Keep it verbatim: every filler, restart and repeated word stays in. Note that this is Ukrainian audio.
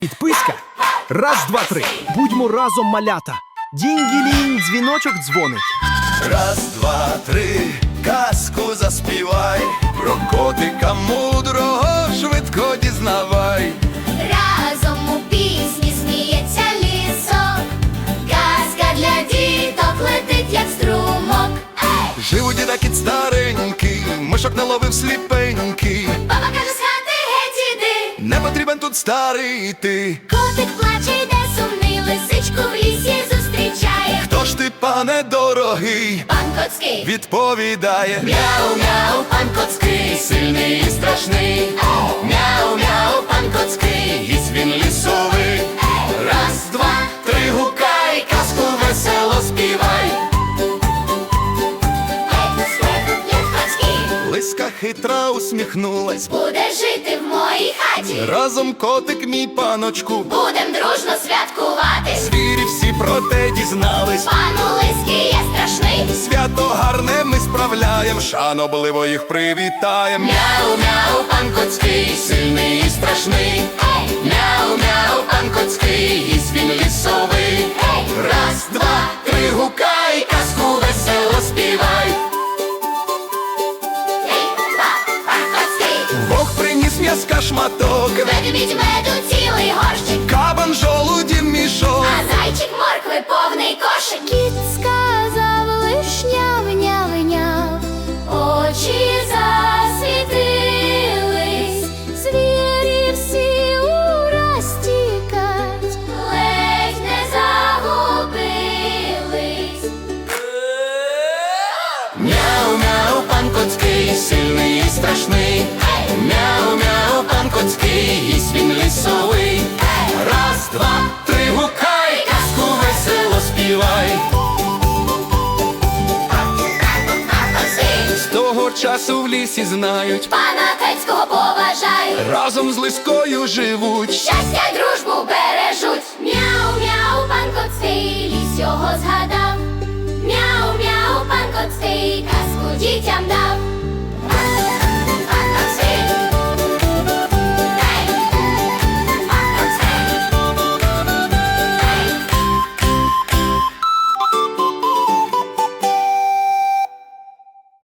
Підписка. Раз, два, три. Будьмо разом, малята. Дінь-гілінь, дзвіночок дзвонить. Раз, два, три, казку заспівай, про котика мудрого швидко дізнавай. Разом у пісні сміється лісок, казка для діток летить, як струмок. Ей! Жив у діда кіт старенький, мишок наловив сліпенький. Баба каже, з хати геть іди. Не потрібен тут старий ти. Котик плаче, йде сумний, лисичку в лісі зустрічає. Хто ж ти, пане дорогий? Пан Коцький Відповідає: мяу-мяу, пан Коцький, сильний і страшний. Мяу-мяу, пан Коцький, гість він лісовий. Раз, два, три, гукай, казку весело співай. Лиска хитра усміхнулась. Буде жити в моїй хаті, Разом котик мій паночку. будем дружно святкувати. Звірі всі про те дізнались. Пану Лиський є страшний. Свято гарне ми справляєм, шанобливо їх привітаєм. Мяу-мяу, пан Коцький, сильний і страшний. Мяу-мяу, пан Коцький, гість він лісовий. Раз, два, три, гукай, казку весело співай. Бог приніс м'яска шматок, Ведмідь меду цілий горщик, кабан жолуді мішок. а зайчик моркви повний кошик. Кіт сказав лиш няв-няв-няв, очі засвітились, звірі всі ураз тікать, ледь не загубились. Мяу-мяу, пан Коцький, сильний і страшний. Мяу-мяу, пан Коцький, гість він лісовий. Раз, два, три, гукай, казку весело співай. З того часу в лісі знають, Пана Коцького поважай, разом з лискою живуть. щастя й дружбу бережуть. Мяу-мяу, пан Коцький, ліс його згадує.